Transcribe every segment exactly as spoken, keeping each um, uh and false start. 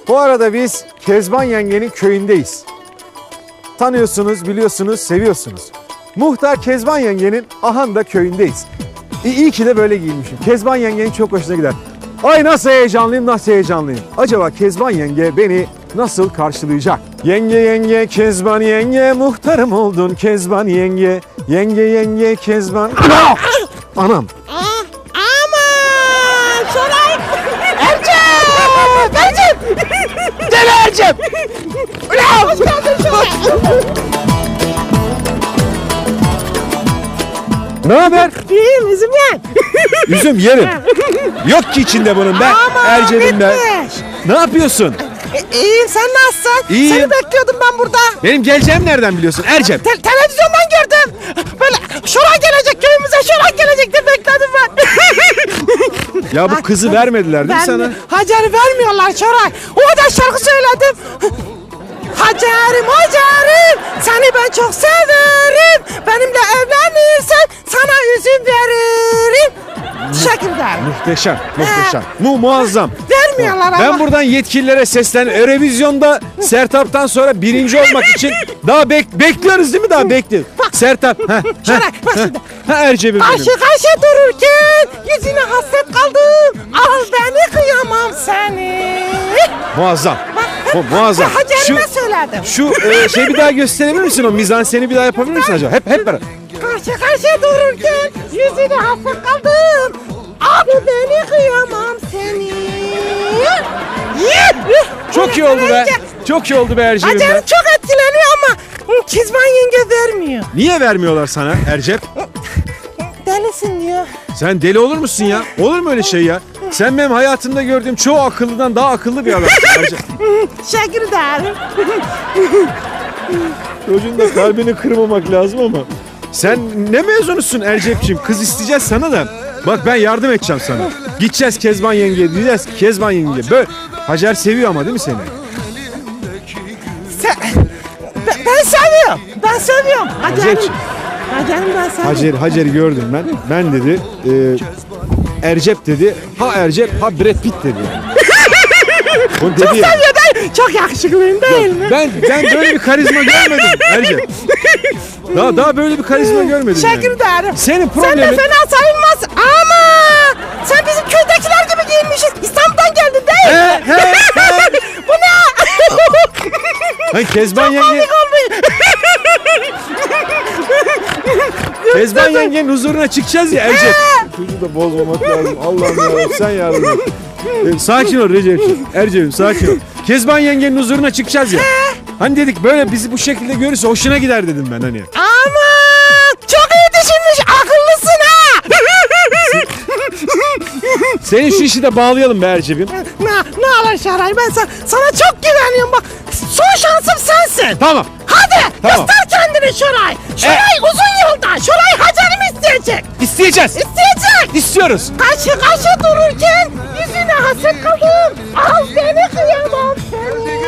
Bu arada biz Kezban yengenin köyündeyiz. Tanıyorsunuz, biliyorsunuz, seviyorsunuz. Muhtar Kezban yengenin Ahanda köyündeyiz. İyi, iyi ki de böyle giyinmişim. Kezban yengenin çok hoşuna gider. Ay nasıl heyecanlıyım, nasıl heyecanlıyım. Acaba Kezban yenge beni nasıl karşılayacak? Yenge yenge Kezban yenge, muhtarım oldun Kezban yenge. Yenge yenge Kezban... Anam. Aman Şoray! Ercep! Ercep! Deli Ercep! Ulan! Hoş geldin Şoray! Ne haber? İyiyim üzüm yen. Üzüm yerim. Yok ki içinde bunun ben. Aman Ercep'im ben. bitmiş. Ne yapıyorsun? E, iyiyim sen nasılsın? İyiyim. Seni bekliyordum ben burada. Benim geleceğimi nereden biliyorsun Ercep? Te- televizyondan gördüm. Böyle Şoray gelecek köyümüze, Şoray gelecek diye bekledim ben. Ya bu kızı vermediler değil mi sana? Hacer'i vermiyorlar Şoray. O da şarkı söyledim. Hacer'im Hacer'im seni ben çok severim. Benimle evlenirsen sana üzüm veririm. Teşekkür ederim. Muhteşem, muhteşem. Mu muazzam. Vermiyorlar ama. Ben buradan yetkililere sesleniyorum. Eurovizyonda Sertab'tan sonra birinci olmak için daha bek bekliyoruz değil mi? Daha bekliyoruz. Sertab. Heh, Şöyle, heh, bak heh. şimdi. Ha Ercep'im benim. Karşı karşı dururken yüzüne hasret kaldım. Al beni kıyamam seni. Muazzam. Bu muazzam. Hacer'ime söyledim. Şu e, şey bir daha gösterebilir misin o mizanseni bir daha yapabilir misin acaba? Hep hep beraber. Karşı karşı dururken yüzüne hasret kaldım. Al beni kıyamam seni. Çok iyi oldu be. Çok iyi oldu be Ercep'im Hacer be. çok etkileniyor ama Kezban yenge vermiyor. Niye vermiyorlar sana Ercep? Delisin diyor. Sen deli olur musun ya? Olur mu öyle şey ya? Sen benim hayatımda gördüğüm çoğu akıllıdan daha akıllı bir adamsın Ercep. Teşekkür ederim. Çocuğun da kalbini kırmamak lazım ama. Sen ne mezunusun Ercep'ciğim? Kız isteyeceğiz sana da. Bak ben yardım edeceğim sana. Gideceğiz Kezban yenge diyeceğiz. Kezban yenge. Böyle. Hacer seviyor ama değil mi seni? Sen, ben, ben seviyorum. Ben seviyorum. Hacer'im. Hacer'ciğim. Hacer'im ben seviyorum. Hacer, Hacer'i gördüm ben. Ben dedi. E, Ercep dedi. Ha Ercep ha Brad Pitt dedi. O dedi Çok ya. seviyor değil. Çok yakışıklıyım değil mi? Ben ben böyle bir karizma görmedim Ercep. Daha daha böyle bir karizma görmedim Teşekkür yani. ederim. Senin Sen de problemin fena sayılmaz ama sen bizim köydekiler gibi giyinmişsin. İstanbul'dan geldin değil mi? He, he, he. Bu ne? Hani Kezban yenge Komik olmuyor. Kezban yengenin huzuruna çıkacağız ya Ercep. Çocuğu da bozmamak lazım. Allah'ım ya sen yardım et. Ee, sakin ol Recep'ciğim. Ercep'im sakin ol. Kezban yengenin huzuruna çıkacağız ya. Hani dedik böyle bizi bu şekilde görürse hoşuna gider dedim ben hani. Aman çok iyi düşünmüş. Akıllısın ha. Senin şu işi de bağlayalım be Ercep'im. ne, ne alır Şaray ben sana, sana çok güveniyorum bak. Son şansım sensin. Tamam. Hadi Tamam. göster kendini Şoray. Şoray uzun yolda. Şoray Hacer'imi isteyecek. İsteyeceğiz. İsteyecek. İstiyoruz. Karşı karşı dururken yüzüne hasret kaldım. Al beni kıyamam seni.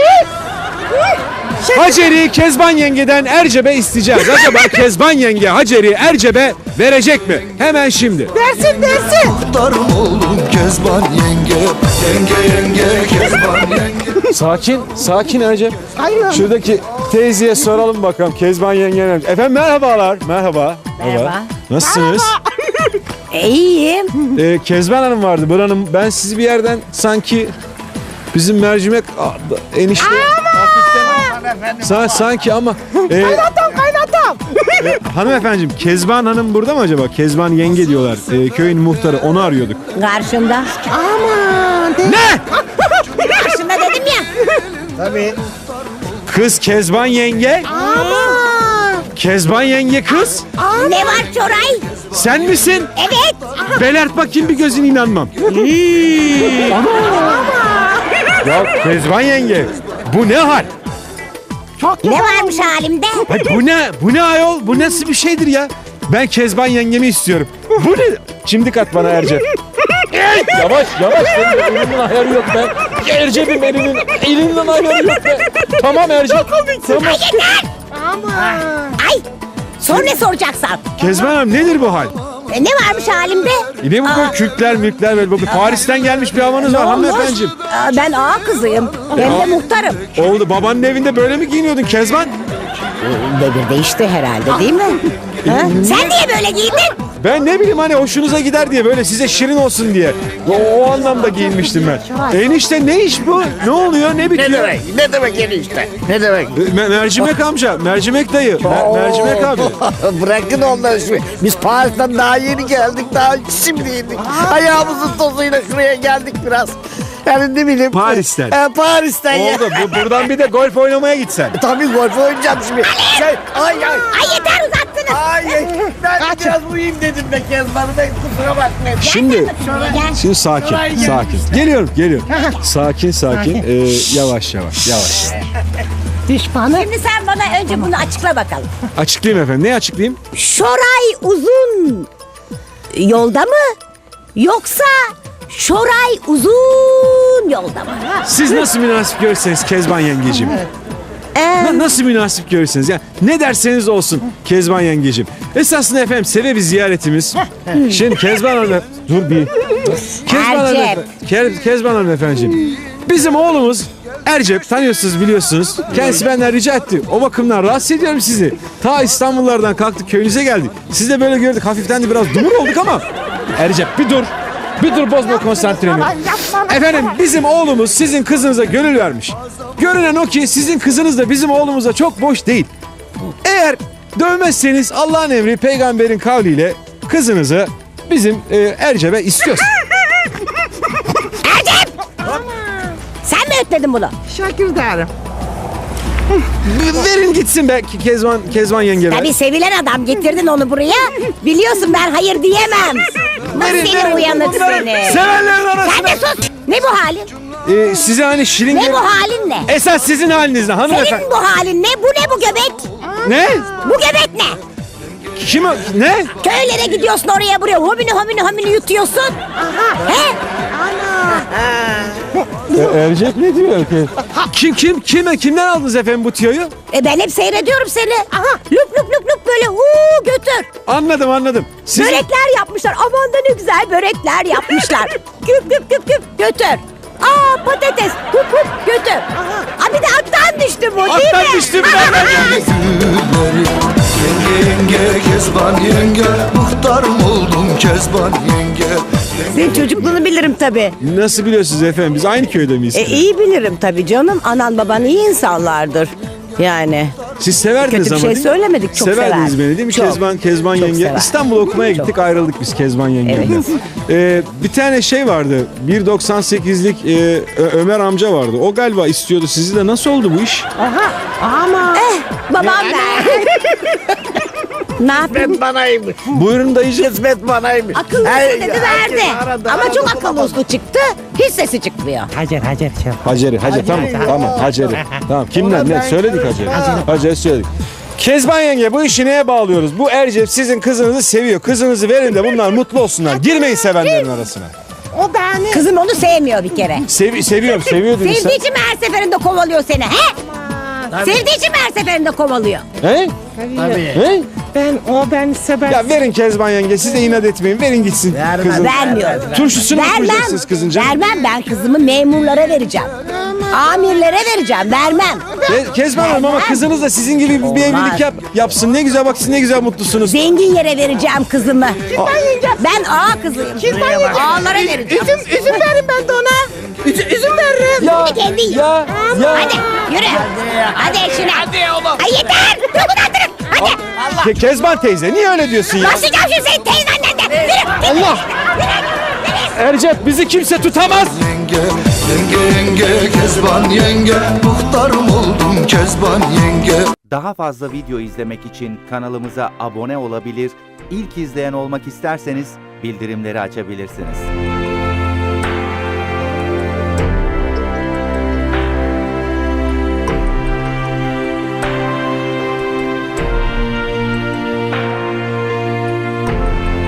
Şey, Hacer'i Kezban yengeden Ercep'e isteyeceğiz. Acaba Kezban yenge Hacer'i Ercep'e verecek mi? Hemen şimdi. dersin dersin. Muhtarım oğlum Kezban yenge. Yenge yenge Kezban yenge. Sakin, sakin Ercep. Aynen. Şuradaki teyzeye soralım bakalım Kezban yengen. Efendim merhabalar. Merhaba. Merhaba. Nasılsınız? İyiyim. Ee, Kezban Hanım vardı. Buranın ben sizi bir yerden sanki bizim mercimek a- enişte hafiften Sa- sanki ama e, Kaynatam kaynatam. e, hanımefendiciğim Kezban Hanım burada mı acaba? Kezban yenge diyorlar. E, köyün muhtarı onu arıyorduk. Karşımda. Aman. de- Ne? Karşımda dedim ya. Kız Kezban yenge? Aman. Kezban yenge kız? Ne var Çoray? Sen misin? Evet. Belert bakayım bir gözüne inanmam. Ana! Ya Kezban yenge bu ne hal? Çok Ne varmış halimde? Ay bu ne? Bu ne ayol? Bu nasıl bir şeydir ya? Ben Kezban yengemi istiyorum. Bu ne? Çimdik at bana Ercep. Yavaş yavaş. Benim elimin ayarı yok be. Ercep'im elinin elinden ayarı yok be. Tamam Ercep. Tamam. Aman. Ay. Sor ne soracaksan. Kezban Hanım nedir bu hal? E, ne varmış halimde? Yine bu böyle kürkler mülkler böyle. Bu Paris'ten gelmiş bir havanız var hanımefendiciğim. Aa, ben ağa kızıyım. Hem de muhtarım. Oldu, babanın evinde böyle mi giyiniyordun Kezban? Devir değişti herhalde değil mi? Ha? Sen niye böyle giyindin? Ben ne bileyim hani hoşunuza gider diye, böyle size şirin olsun diye. O, o anlamda giyinmiştim ben. Enişte ne iş bu? Ne oluyor? Ne bitiyor? Ne demek? Ne demek enişte? Ne demek? Me- mercimek amca, mercimek dayı, mer- mercimek abi. Bırakın onları şimdi. Biz Paris'ten daha yeni geldik. Daha şimdi yedik. Ayağımızın tozuyla şuraya geldik biraz. Yani ne bileyim. Paris'ten. He, Paris'ten ya. Oldu. Bu, buradan bir de golf oynamaya gitsen. Tabii golf oynayacağım şimdi. Şey, ay ay. Ay yeter uzattınız. Ay ay. Ben biraz uyuyayım dedim be Kezban'ı. Ben kusura bakmayın. Şimdi, Gel. şimdi sakin, Şuraya gel. sakin. Geliyorum, geliyorum. Sakin, sakin. Ee, yavaş, yavaş, yavaş. Düşmanı. Şimdi sen bana önce bunu açıkla bakalım. Açıklayayım efendim. Ne açıklayayım? Şoray uzun yolda mı? Yoksa Şoray uzun yolda mı? Siz nasıl münasip görürseniz Kezban yengeciğim. Ee, Na- nasıl münasip görürseniz. Yani ne derseniz olsun Kezban yengeciğim. Esasında efendim sebebi ziyaretimiz. Şimdi Kezban Hanım... Dur bir. Kezban Hanım, Ercep. Ke- Kezban Hanım efendiciğim. Bizim oğlumuz Ercep, tanıyorsunuz biliyorsunuz. Kendisi benden rica etti. O bakımdan rahatsız ediyorum sizi. Ta İstanbullardan kalktık köyünüze geldik. Siz de böyle gördük, hafiften de biraz dumur olduk ama. Ercep bir dur. Bir dur, bozma konsantremi. Efendim bizim oğlumuz sizin kızınıza gönül vermiş. Görünen o ki sizin kızınız da bizim oğlumuza çok boş değil. Eğer dövmezseniz Allah'ın emri peygamberin kavliyle kızınızı bizim e, Ercep'e istiyoruz. sen mi ötledin bunu? Şakir derim. Verin gitsin be Kezban, Kezban yenge be. Tabii sevilen adam, getirdin onu buraya. Biliyorsun ben hayır diyemem. Nasıl Verin, seni verin. uyanık seni. Sevenlerin Sen arasında. de sus. Ne bu halin? E, size hani şirin... Ne bu halin ne? Esas sizin haliniz ne hanımefendi? Senin bu halin ne? Bu ne bu göbek? Ne? Bu göbek ne? Kim o- Ne? Köylere gidiyorsun oraya buraya. Homini homini homini yutuyorsun. He? E, Ercep ne diyor ki? Kim kim kime kimden aldınız efendim bu tüyoyu? E ben hep seyrediyorum seni. Aha, lup lup lup lup böyle huu götür. Anladım anladım. Siz Börekler yapmışlar. Aman da ne güzel börekler yapmışlar. Güp güp güp güp götür. Aa patates hup hup götür. Aa bir de attan düştü bu değil Attan mi? düştü bir dakika. Gülleri Yenge yenge Kezban yenge Muhtarım oldum Kezban yenge. Senin çocukluğunu bilirim tabii. Nasıl biliyorsunuz efendim? Biz aynı köyde miyiz? E, iyi bilirim tabii canım. Anan baban iyi insanlardır. Yani. Siz severdiniz Kötü bir ama şey değil mi? söylemedik, çok Severdiniz sever. beni değil mi? Çok. Kezban, Kezban Çok yenge. sever. İstanbul'a okumaya gittik, ayrıldık biz Kezban yengemle. Evet. Ee, bir tane şey vardı. bir doksan sekizlik e, Ö- Ömer amca vardı. O galiba istiyordu sizi de. Nasıl oldu bu iş? Ama Babam ver. Ne yapayım? Kısmet banaymış. Buyurun dayıcığım. Kısmet banaymış. Akıllı Her- dedi verdi. herkes aradı, Ama aradı, çok bulamadı. akıllı uslu çıktı. Hiç sesi çıkmıyor. Hacer Hacer şey. Haceri, Hacer tamam, tamam Haceri. Tamam, kimden ne? Söyledik Haceri. Haceri söyledik. Kezban yenge bu işi neye bağlıyoruz? Bu Ercep sizin kızınızı seviyor. Kızınızı verin de bunlar mutlu olsunlar. Girmeyin sevenlerin arasına. O beni. Kızım onu sevmiyor bir kere. Sevi seviyorum, seviyor dedin sen. Sevdiği için mi her seferinde kovalıyor seni he? Sevdiği için mi her seferinde kovalıyor? He? Tabii. He? Ben o beni sever. Ya verin Kezban yenge, siz de inat etmeyin. Verin gitsin Vermem. kızın. Vermiyorum. Turşusunu mu Vermem. kuracaksınız kızınca? Vermem ben kızımı memurlara vereceğim. Amirlere vereceğim. Vermem. Ke- Kezban Hanım ama kızınız da sizin gibi bir, bir evlilik yap, yapsın. Ne güzel bak siz ne güzel mutlusunuz. Zengin yere vereceğim kızımı. Ben ağa kızıyım. Ağalara vereceğim. Üzüm, üzüm verin ben de ona. Üzüm, üzüm veririm. Ya, Kendi yiyin. ya, ya. Hadi yürü. Hadi eşine. Hadi oğlum. Ay yeter. Çok uzattırın. Hadi. Ke- Kezban teyze niye öyle diyorsun ya? Başlayacağım şimdi senin teyzenden de. Yürü. Allah! Ercep bizi kimse tutamaz. Yenge yenge yenge Kezban yenge Muhtarım oldum Kezban yenge. Daha fazla video izlemek için kanalımıza abone olabilir, ilk izleyen olmak isterseniz bildirimleri açabilirsiniz.